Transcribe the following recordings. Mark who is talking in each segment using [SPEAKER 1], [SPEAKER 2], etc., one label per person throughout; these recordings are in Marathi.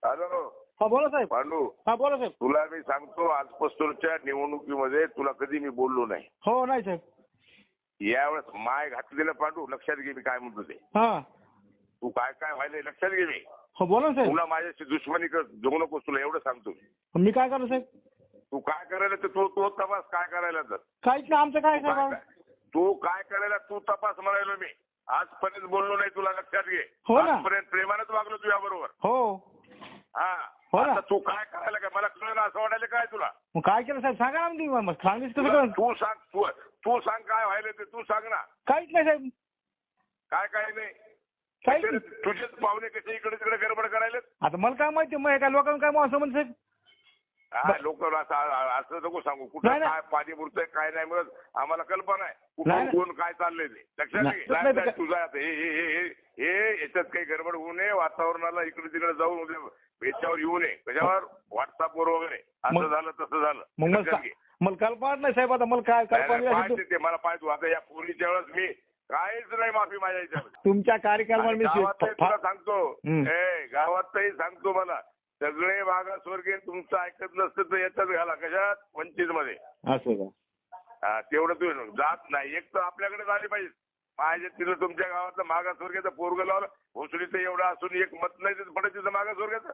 [SPEAKER 1] हॅलो
[SPEAKER 2] हा बोला साहेब.
[SPEAKER 1] पांडू,
[SPEAKER 2] हा बोला साहेब.
[SPEAKER 1] तुला मी सांगतो आजपासूनच्या निवडणुकीमध्ये तुला कधी मी बोललो नाही.
[SPEAKER 2] हो नाही साहेब.
[SPEAKER 1] यावेळेस माय घातलेलं पांडू लक्षात घे मी काय म्हणतो ते.
[SPEAKER 2] हा
[SPEAKER 1] तू काय काय व्हायलंय लक्षात घे मी.
[SPEAKER 2] हो बोला ना साहेब.
[SPEAKER 1] तुला माझ्याशी दुश्मनी जगू नकोस, तुला एवढं सांगतो.
[SPEAKER 2] मी काय करू साहेब?
[SPEAKER 1] तू काय करायला तर तू तपास काय करायला तर.
[SPEAKER 2] काहीच नाही आमचं काय साहेब.
[SPEAKER 1] तू काय करायला तू तपास म्हणायलो मी. आजपर्यंत बोललो नाही तुला लक्षात घे.
[SPEAKER 2] हो ना.
[SPEAKER 1] आजपर्यंत प्रेमानच वागलो तुझ्या बरोबर.
[SPEAKER 2] हो
[SPEAKER 1] हा
[SPEAKER 2] हो ना.
[SPEAKER 1] आता तू काय करायला काय मला कळलं असं वाटायला काय तुला.
[SPEAKER 2] मग काय केलं साहेब सांगा ना तुम्ही. मग सांगितलं कसं कळलं?
[SPEAKER 1] तू सांग तू सांग काय व्हायला ते तू सांग ना.
[SPEAKER 2] काहीच नाही साहेब.
[SPEAKER 1] काय काय नाही.
[SPEAKER 2] काहीच
[SPEAKER 1] तुझे-
[SPEAKER 2] नाही.
[SPEAKER 1] तुझेच पाहुणे कसे इकडे तिकडे गडबड करायला.
[SPEAKER 2] आता मला काय माहिती मग काय लोकांना काय मग असं म्हणत साहेब.
[SPEAKER 1] लोक असं नको सांगू
[SPEAKER 2] नाही,
[SPEAKER 1] कुठं
[SPEAKER 2] नाही.
[SPEAKER 1] काय पाणी मुरतंय काय नाही मिळत आम्हाला कल्पना आहे.
[SPEAKER 2] नाही,
[SPEAKER 1] कुठून कोण काय चाललंय ते लक्षात
[SPEAKER 2] नाही,
[SPEAKER 1] घे.
[SPEAKER 2] नाही,
[SPEAKER 1] नाही, तुझा आता हे याच्यात काही गडबड होऊ नये. वातावरणाला इकडे तिकडे जाऊन याच्यावर येऊ नये. कशावर व्हॉट्सअपवर वगैरे असं
[SPEAKER 2] मग-
[SPEAKER 1] झालं तसं झालं
[SPEAKER 2] मग
[SPEAKER 1] लक्षात घे.
[SPEAKER 2] मला कल्पना नाही साहेब. आता मला काय
[SPEAKER 1] नाही,
[SPEAKER 2] कल्पना
[SPEAKER 1] नाही,
[SPEAKER 2] नाही.
[SPEAKER 1] पाहते ते मला पाहतो. आता या पोलीसच्या वेळेस मी काहीच नाही माफी माझ्या याच्यामध्ये.
[SPEAKER 2] तुमच्या कार्यक्रमाला मी
[SPEAKER 1] गावातही तुला सांगतो
[SPEAKER 2] हम्म.
[SPEAKER 1] गावातही सांगतो मला सगळे मागासवर्गीय तुमचं ऐकत नसतं तर याच्यात घाला कशात वंचित मध्ये.
[SPEAKER 2] असं का?
[SPEAKER 1] तेवढं तू जात नाही. एक तर आपल्याकडे झाली पाहिजे. माझ्या तिथं तुमच्या गावातलं मागासवर्गीयचं पोरग लावलं भोसडीचं एवढं असून एक मत नाही तिथं पडत तिथं मागासवर्गीयचं.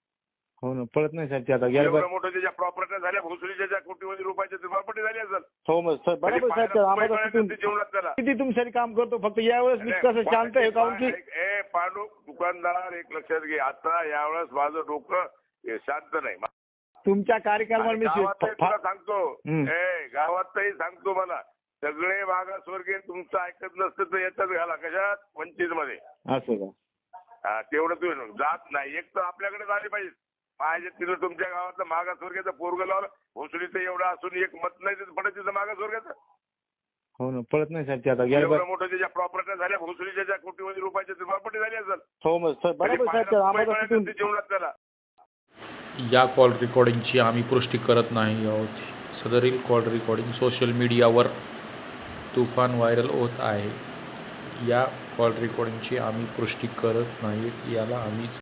[SPEAKER 2] हो ना पळत नाही साहेब ते आता
[SPEAKER 1] एवढं मोठं त्याच्या प्रॉपर्टी झाल्या भोसडीच्या ज्या कोटीमध्ये रुपयाच्या प्रॉपर्टी झाली असेल.
[SPEAKER 2] हो मग सर बरोबर साहेब. ते आम्हाला तिथून
[SPEAKER 1] जीवनात त्याला
[SPEAKER 2] किती तुमच्यासाठी काम करतो. फक्त यावेळेस मी कसं शांत आहे काऊन की
[SPEAKER 1] पांडू दुकानदार एक लक्षात घे. आता यावेळेस माझं डोकं शांत नाही.
[SPEAKER 2] तुमच्या कार्यक्रमाला मी
[SPEAKER 1] गावातही तुला सांगतो गावातही सांगतो मला सगळे मागासवर्गीय तुमचं ऐकत नसतं तर याच्यात घाला कशात वंचित मध्ये.
[SPEAKER 2] असं का?
[SPEAKER 1] तेवढं तू जात नाही. एक तर आपल्याकडे झाली पाहिजे. माझ्या तिथं तुमच्या गावातलं मागासवर्गीयचं पोरग लावलं भोसडीचं एवढं असून एक मत नाही तिथं पडत तिथं मागासवर्गीयचं.
[SPEAKER 2] हो ना पळत नाही साहेब ते आता
[SPEAKER 1] एवढं मोठं त्याच्या प्रॉपर्टी झाल्या भोसडीच्या ज्या कोटीमध्ये रुपयाच्या प्रॉपर्टी झाली असेल.
[SPEAKER 2] हो मग सर बरोबर साहेब. ते आम्हाला तिथून
[SPEAKER 1] जीवनात त्याला.
[SPEAKER 3] या कॉल रेकॉर्डिंगची आम्ही पुष्टी करत नाही आहोत. सदरील कॉल रेकॉर्डिंग सोशल मीडियावर तुफान व्हायरल होत आहे. या कॉल रेकॉर्डिंगची आम्ही पुष्टी करत नाहीत. याला आम्ही